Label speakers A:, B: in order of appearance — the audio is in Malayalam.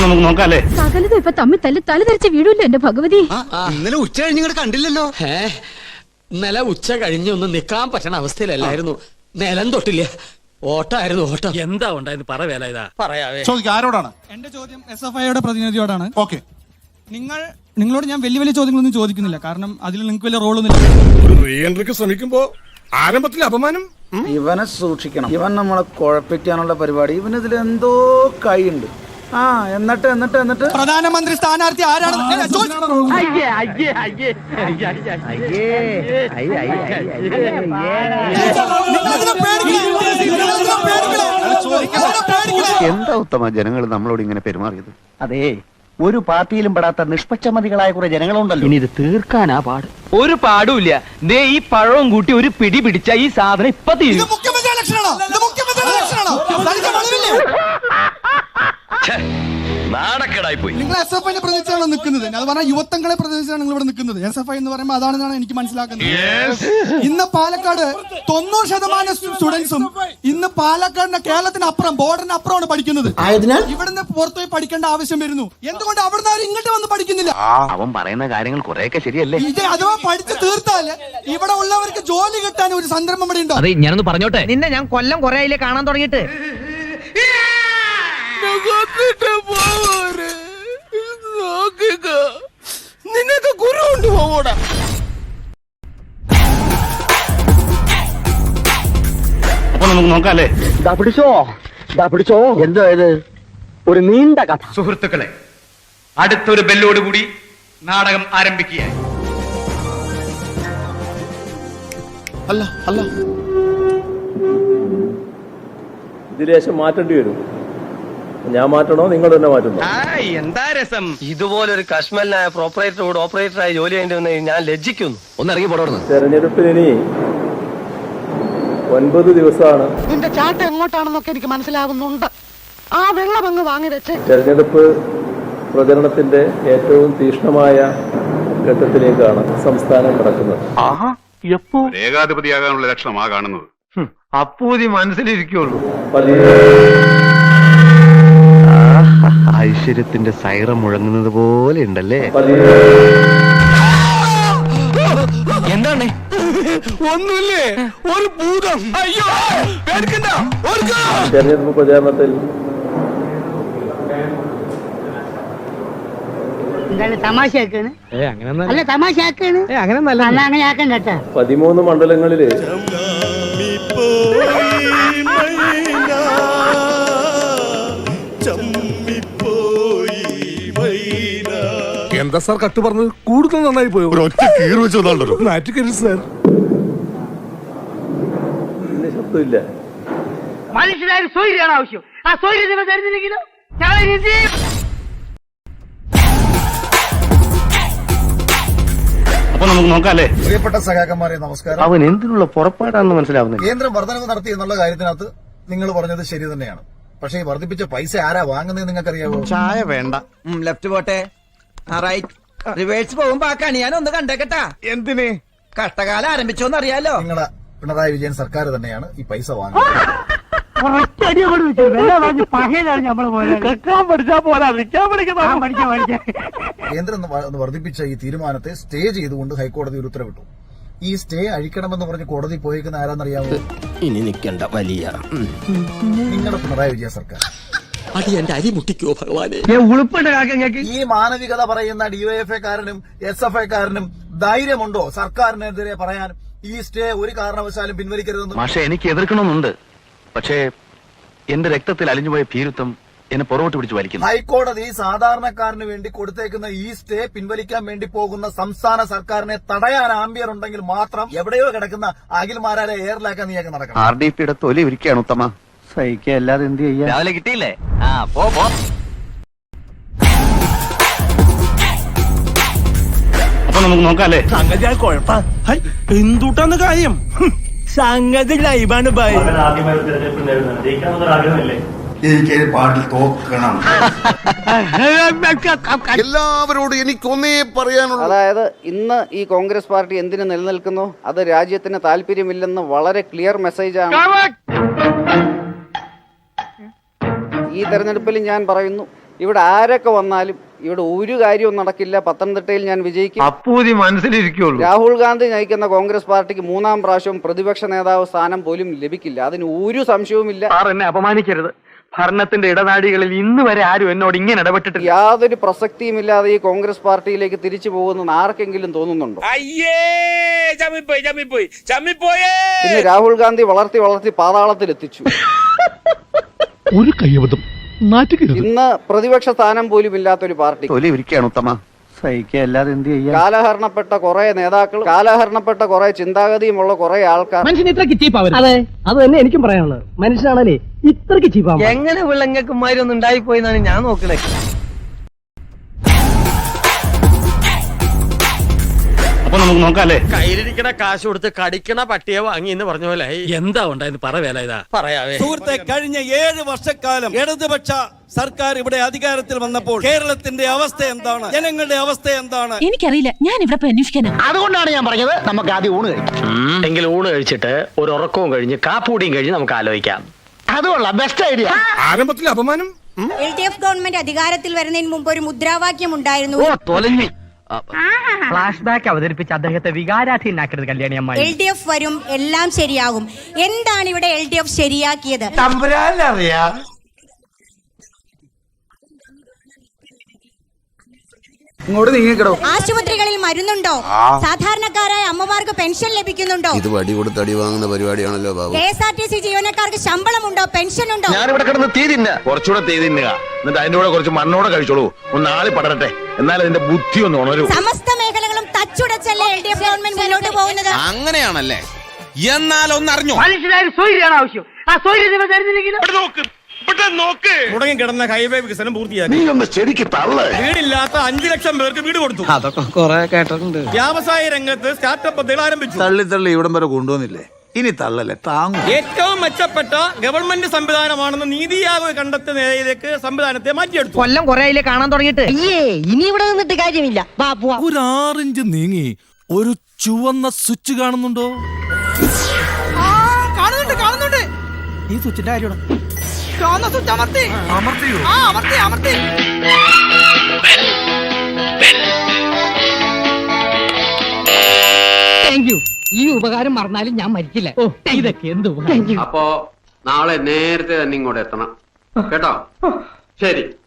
A: നമുക്ക് നോക്കാല്ലേ?
B: സകലതും ഇപ്പൊ തമ്മിൽ തല്ലി തലതെറിച്ച് വീഴൂല്ലോ എന്റെ ഭഗവതി.
C: ഇന്നലെ ഉച്ച കഴിഞ്ഞ് കണ്ടില്ലല്ലോ.
D: ഇന്നലെ ഉച്ച കഴിഞ്ഞൊന്നും നിക്കാൻ പറ്റണ അവസ്ഥയിലല്ലായിരുന്നു. നിലം തൊട്ടില്ല, ഓട്ടായിരുന്നു ഓട്ടം. എന്താ ഉണ്ടായിരുന്നു പറ വേല ഇതാ പറയാവേ.
E: ആരോടാണ്
F: എന്റെ ചോദ്യം SFIയുടെ പ്രതിനിധിയോടാണ്.
E: ഓക്കെ,
F: നിങ്ങളോട് ഞാൻ വലിയ വലിയ ചോദ്യങ്ങളൊന്നും ചോദിക്കുന്നില്ല, കാരണം അതിൽ നിങ്ങൾക്ക് വലിയ റോളൊന്നുമില്ല.
E: ഒരു റീ എൻട്രിക്ക് ശ്രമിക്കുമ്പോ ആരംഭത്തിൽ അപമാനം.
C: ഇവനെ സൂക്ഷിക്കണം, ഇവൻ നമ്മളെ കുഴപ്പിക്കാനുള്ള പരിപാടി. ഇവനിതിൽ എന്തോ കൈയുണ്ട്. എന്നിട്ട്
F: പ്രധാനമന്ത്രി സ്ഥാനാർത്ഥി ആരാണ്?
G: എന്താ ഉത്തമ ജനങ്ങൾ നമ്മളോട് ഇങ്ങനെ പെരുമാറിയത്? അതെ, ഒരു പാർട്ടിയിലും പെടാത്ത നിഷ്പക്ഷമതികളായ കുറെ ജനങ്ങളുണ്ടല്ലോ.
H: ഇനി ഇത് തീർക്കാനാ പാട്. ഒരു പാടുമില്ല. ദേ ഈ പഴവും കൂട്ടി ഒരു പിടി പിടിച്ച ഈ സാധനം ഇപ്പൊ തീരും.
G: നാണക്കേടായി പോയി.
F: നിങ്ങൾ SFIനെ പ്രതിനിധിച്ചാണ് നിൽക്കുന്നത്. അത് പറഞ്ഞാൽ യുവത്വങ്ങളെ പ്രതിനിധിച്ചാണ് നിങ്ങൾ ഇവിടെ നിൽക്കുന്നത്. SFI എന്ന് പറയുമ്പോൾ അതാണെന്നാണ് എനിക്ക് മനസ്സിലാക്കുന്നത്. ഇന്ന് പാലക്കാട് 90% സ്റ്റുഡൻസും ഇന്ന് പാലക്കാടിന്റെ കേരളത്തിന് അപ്പുറം ബോർഡറിന് അപ്പുറമാണ് പഠിക്കുന്നത്. ഇവിടുന്ന് പുറത്തുപോയി പഠിക്കേണ്ട ആവശ്യം വരുന്നു. എന്തുകൊണ്ട് അവിടുന്ന് ആരും ഇങ്ങോട്ട് വന്ന് പഠിക്കുന്നില്ല?
G: അവൻ പറയുന്ന കാര്യങ്ങൾ കുറെയൊക്കെ ശരിയല്ലേ?
F: ഇത് അഥവാ പഠിച്ചു തീർത്താൽ ഇവിടെ ഉള്ളവർക്ക് ജോലി കിട്ടാൻ ഒരു സന്ദർഭം ഇവിടെ ഉണ്ടോ?
H: അതെ, ഞാനൊന്ന് പറഞ്ഞോട്ടെ.
I: നിന്നെ ഞാൻ കൊല്ലം കുറെ ആയില്ലേ കാണാൻ തുടങ്ങിയിട്ട്.
C: നിനക്ക് ഗുരു ഉണ്ട് പോകൂടാ.
A: അപ്പൊ നമുക്ക് നോക്കാല്ലേ?
H: പിടിച്ചോ. എന്തോ ഇത് ഒരു നീണ്ട കഥ.
D: സുഹൃത്തുക്കളെ, അടുത്തൊരു ബെല്ലോടുകൂടി നാടകം ആരംഭിക്കുകയായി.
E: അല്ല
J: ഇതിലേശം മാറ്റേണ്ടി വരും. ഞാൻ മാറ്റണോ നിങ്ങൾ തന്നെ മാറ്റുന്നു?
D: എന്താ രസം.
H: ഇതുപോലൊരു കശ്മലിനായ പ്രോപ്പറേറ്ററോട് ഓപ്പറേറ്ററായി ജോലി ചെയ്യേണ്ടി വന്ന് ഞാൻ ലജ്ജിക്കുന്നു. ഒന്ന് ഇറങ്ങി പോടുന്നു.
J: തെരഞ്ഞെടുപ്പിന് ഇനി 9 ദിവസമാണ്.
I: നിന്റെ ചാട്ട എങ്ങോട്ടാണെന്നൊക്കെ എനിക്ക് മനസ്സിലാവുന്നുണ്ട്. ആ വെള്ളം അങ്ങ് വാങ്ങി വെച്ച്.
J: തെരഞ്ഞെടുപ്പ് പ്രചരണത്തിന്റെ ഏറ്റവും തീക്ഷ്ണമായ ഘട്ടത്തിലേക്കാണ് സംസ്ഥാനം കടക്കുന്നത്.
A: ഏകാധിപതിയാകാനുള്ള ലക്ഷണമാ കാണുന്നത്.
H: അപ്പൂതി മനസ്സിലിരിക്കുള്ളൂ.
G: ഐശ്വര്യത്തിന്റെ സൈറം മുഴങ്ങുന്നത് പോലെ ഉണ്ടല്ലേ?
H: എന്താണ്?
D: ഒന്നുമില്ലേ, ഒരു ഭൂതം. അയ്യോ, പേടിക്കണ്ട.
J: തെരഞ്ഞെടുപ്പ് പ്രചാരണത്തിൽ
I: തമാശയാക്കാണ്. അല്ല തമാശയാക്കാണ്. അങ്ങനെ ആക്കണ്ട.
J: 13 മണ്ഡലങ്ങളില്
E: എന്താ സാർ കട്ട് പറഞ്ഞത്? കൂടുതൽ നന്നായി പോയോ? ഒറ്റ കീറ് വെച്ചോ നാറ്റിക്കരുത് സാർ.
J: ഇതിന് ശബ്ദമില്ല.
I: മനുഷ്യനായ സൗകര്യമാണ് ആവശ്യം. ആ സൗകര്യം നിങ്ങൾ തരുന്നില്ലെങ്കിലോ
A: അപ്പൊ നമുക്ക് നോക്കാല്ലേ?
C: പ്രിയപ്പെട്ട സഖാക്കന്മാരെ നമസ്കാരം.
G: അവൻ എന്തിനുള്ള പുറപ്പാടാണെന്ന് മനസ്സിലാവുന്നില്ല.
C: കേന്ദ്രം വർധനവ് നടത്തി എന്നുള്ള കാര്യത്തിനകത്ത് നിങ്ങൾ പറഞ്ഞത് ശരി തന്നെയാണ്. പക്ഷേ ഈ വർദ്ധിപ്പിച്ച പൈസ ആരാ വാങ്ങുന്നത് നിങ്ങൾക്കറിയാവോ?
G: ചായ വേണ്ട.
I: ലെഫ്റ്റ് പോട്ടെ, റൈറ്റ് റിവേഴ്സ് പോകുമ്പോ ആ കണി ഞാൻ ഒന്ന് കണ്ടേക്കട്ടാ.
G: എന്തിന്?
I: കഷ്ടകാലം ആരംഭിച്ചോന്ന് അറിയാലോ.
C: നിങ്ങളെ പിണറായി വിജയൻ സർക്കാർ തന്നെയാണ് ഈ പൈസ വാങ്ങുന്നത്. കേന്ദ്രം വർദ്ധിപ്പിച്ച ഈ തീരുമാനത്തെ സ്റ്റേ ചെയ്തുകൊണ്ട് ഹൈക്കോടതി ഒരു ഉത്തരവിട്ടു. ഈ സ്റ്റേ അഴിക്കണമെന്ന് പറഞ്ഞ് കോടതി പോയേക്കുന്ന ആരാന്നറിയാമോ?
D: ഇനി നിൽക്കണ്ട വലിയ
C: നിങ്ങളുടെ പിണറായി വിജയൻ സർക്കാർ.
D: അത് എന്റെ അരി മുട്ടിക്കോ ഭഗവാനെ.
C: ഈ മാനവികത പറയുന്ന DYFIക്കാരനും SFIക്കാരനും ധൈര്യമുണ്ടോ സർക്കാരിനെതിരെ പറയാൻ ഈ സ്റ്റേ ഒരു കാരണവശാലും പിൻവലിക്കരുതെന്ന്?
G: പക്ഷെ എനിക്ക് എതിർക്കണമെന്നുണ്ട്. പക്ഷേ എന്റെ രക്തത്തിൽ അലിഞ്ഞുപോയ ഭീരുത്വം എന്നെ പുറകോട്ട് പിടിച്ച് വലിക്കുന്നു.
C: ഹൈക്കോടതി സാധാരണക്കാരന് വേണ്ടി കൊടുത്തേക്കുന്ന ഈ സ്റ്റേ പിൻവലിക്കാൻ വേണ്ടി പോകുന്ന സംസ്ഥാന സർക്കാരിനെ തടയാൻ ആംബിയർ ഉണ്ടെങ്കിൽ മാത്രം എവിടെയോ കിടക്കുന്ന അഖിൽമാരാലെ എയറിലാക്കാൻ നീയൊക്കെ നടക്കണം.
G: RDPയുടെ തൊലി ഒരുക്കുകയാണ് ഉത്തമ. സഹിക്കുക, അല്ലാതെ എന്ത് ചെയ്യാ?
H: രാവിലെ കിട്ടിയില്ലേ? പോ.
A: അപ്പൊ നമുക്ക് നോക്കാല്ലേ?
E: സംഗതി കുഴപ്പ എന്തുട്ടാന്ന് കാര്യം? സംഗതി ലൈവാണ് ബൈ.
C: എനിക്ക് പാട്ടിൽ തോക്കണം.
E: എല്ലാവരോടും എനിക്കൊന്നേ പറയാനുള്ളൂ.
K: അതായത് ഇന്ന് ഈ കോൺഗ്രസ് പാർട്ടി എന്തിനു നിലനിൽക്കുന്നു, അത് രാജ്യത്തിന് താല്പര്യമില്ലെന്ന് വളരെ ക്ലിയർ മെസ്സേജാണ്. ഈ തെരഞ്ഞെടുപ്പിൽ ഞാൻ പറയുന്നു, ഇവിടെ ആരൊക്കെ വന്നാലും ഇവിടെ ഒരു കാര്യവും നടക്കില്ല. പത്തനംതിട്ടയിൽ ഞാൻ വിജയിക്കും.
H: അപ്പൂതി മനസ്സിലിരിക്കുള്ളൂ.
K: രാഹുൽ ഗാന്ധി നയിക്കുന്ന കോൺഗ്രസ് പാർട്ടിക്ക് 3-ാം പ്രാവശ്യം പ്രതിപക്ഷ നേതാവ് സ്ഥാനം പോലും ലഭിക്കില്ല. അതിന് ഒരു സംശയവുമില്ല.
H: എന്നെ അപമാനിക്കരുത്. ഭരണത്തിന്റെ ഇടനാഴികളിൽ ഇന്ന് വരെ ആരും എന്നോട് ഇങ്ങനെ ഇടപെട്ടിട്ടില്ല.
K: യാതൊരു പ്രസക്തിയുമില്ലാതെ ഈ കോൺഗ്രസ് പാർട്ടിയിലേക്ക് തിരിച്ചു പോകുമെന്ന് ആർക്കെങ്കിലും തോന്നുന്നുണ്ടോ? ഇന്ന് രാഹുൽ ഗാന്ധി വളർത്തി പാതാളത്തിലെത്തിച്ചു.
E: ഒരു കയ്യബദ്ധം നാറ്റുകരുത്.
K: ഇന്ന് പ്രതിപക്ഷ സ്ഥാനം പോലും ഇല്ലാത്തൊരു പാർട്ടി.
G: സഹിക്കല്ലാതെ എന്ത് ചെയ്യാ?
K: കാലഹരണപ്പെട്ട കുറെ നേതാക്കൾ, കാലഹരണപ്പെട്ട കുറെ ചിന്താഗതിയുമുള്ള കുറെ ആൾക്കാർ.
H: മനുഷ്യൻ ഇത്രക്ക് ചീപ്പാവും. അതെ, അത് തന്നെ എനിക്കും പറയാനുള്ളത്. മനുഷ്യനാണല്ലേ ഇത്രക്ക് ചീപ്പാവും. എങ്ങനെ വിളങ്ങക്കുമാരി ഒന്നും ഉണ്ടായിപ്പോയെന്നാണ് ഞാൻ നോക്കണേ.
A: അപ്പൊ നമുക്ക് നോക്കാല്ലേ?
D: കയ്യിലിരിക്കണ കാശ് കൊടുത്ത് കടിക്കണ പട്ടിയെ വാങ്ങി എന്ന് പറഞ്ഞ പോലെ എന്താ ഉണ്ടായെന്ന് പറ വേല ഇതാ പറയാവേ.
L: സുഹൃത്തെ, കഴിഞ്ഞ 7 വർഷക്കാലം ഇടതുപക്ഷ സർക്കാർ ഇവിടെ അധികാരത്തിൽ വന്നപ്പോൾ കേരളത്തിന്റെ അവസ്ഥ എന്താണ്? ജനങ്ങളുടെ അവസ്ഥ എന്താണ്?
B: എനിക്കറിയില്ല, ഞാൻ ഇവിടെ പോയി അന്വേഷിക്കാനാ.
G: അതുകൊണ്ടാണ് ഞാൻ പറഞ്ഞത് നമുക്ക് ആദ്യം ഊണ് കഴിക്കാം.
D: എങ്കിൽ ഊണ് കഴിച്ചിട്ട് ഒരു ഉറക്കവും കഴിഞ്ഞ് കാപ്പൂടിയും കഴിഞ്ഞ് നമുക്ക് ആലോചിക്കാം.
G: അതുകൊള്ള ബെസ്റ്റ് ഐഡിയ.
E: ആരംഭത്തിൽ അപമാനം.
B: LDF ഗവൺമെന്റ് അധികാരത്തിൽ വരുന്നതിന് മുമ്പ് ഒരു മുദ്രാവാക്യം ഉണ്ടായിരുന്നു.
H: ഫ്ലാഷ് ബാക്ക് അവതരിപ്പിച്ച് അദ്ദേഹത്തെ വികാരാധീനാക്കരുത് കല്യാണി അമ്മ.
B: LDF വരും, എല്ലാം ശരിയാകും. എന്താണ് ഇവിടെ LDF ശരിയാക്കിയത്?
I: തമ്പുരാനറിയാം. ഇങ്ങോട്ട് നീങ്ങിക്കടോ.
B: ആശുപത്രികളിൽ മരുന്നുണ്ടോ? സാധാരണക്കാരായ അമ്മമാർക്ക് പെൻഷൻ ലഭിക്കുന്നുണ്ടോ?
E: ഇത് വടി കൊടുത്ത് അടി വാങ്ങുന്ന പരിപാടിയാണല്ലോ ബാബു.
B: KSRTC ജീവനക്കാർക്ക് ശമ്പളമുണ്ടോ? പെൻഷൻ ഉണ്ടോ?
E: ഞാനിവിടെ കിടന്ന് തീ തിന്ന കുറച്ചുകൂടെ തീ തിന്നുക, എന്നിട്ട് അതിന്റെ കൂടെ കുറച്ച് മണ്ണോടെ കഴിച്ചോളൂ. ഒന്ന് ആളി പടരട്ടെ, എന്നാൽ അതിന്റെ ബുദ്ധി ഒന്ന് ഉണരൂ.
B: സമസ്ത മേഖലകളും തച്ചുടച്ചല്ലേ LDF ഗവൺമെന്റ് മുന്നോട്ട് പോകുന്നത്?
L: അങ്ങനെയാണല്ലേ? എന്നാൽ ഒന്നറിഞ്ഞോ,
H: മനുഷ്യനായ സ്വൈര്യാണ് ആവശ്യം. ആ സ്വൈര്യം നിങ്ങൾ തരുന്നില്ലെങ്കിലും
L: മുടങ്ങി കിടന്ന ഹൈവേ വികസനം പൂർത്തിയാക്കി.
E: നീ ഒന്ന് ശരിക്ക് തള്ളേ.
L: വീടില്ലാത്ത 5 ലക്ഷം പേർക്ക് വീട് കൊടുത്തു.
I: അതൊക്കെ കുറെ കേട്ടിട്ടുണ്ട്.
L: വ്യവസായ രംഗത്ത് സ്റ്റാർട്ടപ്പ് പദ്ധതികൾ ആരംഭിച്ചു.
E: തള്ളി ഇവിടം വരെ കൊണ്ടുവന്നില്ലേ, ഇനി തള്ളല്ലേ താങ്ങും.
L: ഏറ്റവും മെച്ചപ്പെട്ട ഗവൺമെന്റ് സംവിധാനമാണെന്ന് നീതി ആയോഗ് കണ്ടെത്തിയ നിലയിലേക്ക് സംവിധാനത്തെ മാറ്റിയെടുത്തു.
H: കൊല്ലം കുറെ ആയില്ലേ കാണാൻ തുടങ്ങിയിട്ട്. ഇനി ഇവിടെ നിന്നിട്ട് കാര്യമില്ല.
L: ഒരു 6 ഇഞ്ച് നീങ്ങി ഒരു ചുവന്ന സ്വിച്ച് കാണുന്നുണ്ടോ? കാണുന്നുണ്ട്. ഈ സ്വിച്ചിന്റെ കാര്യമാണ്.
H: ഈ ഉപകാരം മറന്നാലും ഞാൻ മരിക്കില്ല. ഇതൊക്കെ എന്ത്?
K: അപ്പോ നാളെ നേരത്തെ തന്നെ ഇങ്ങോട്ട് എത്തണം കേട്ടോ. ശരി.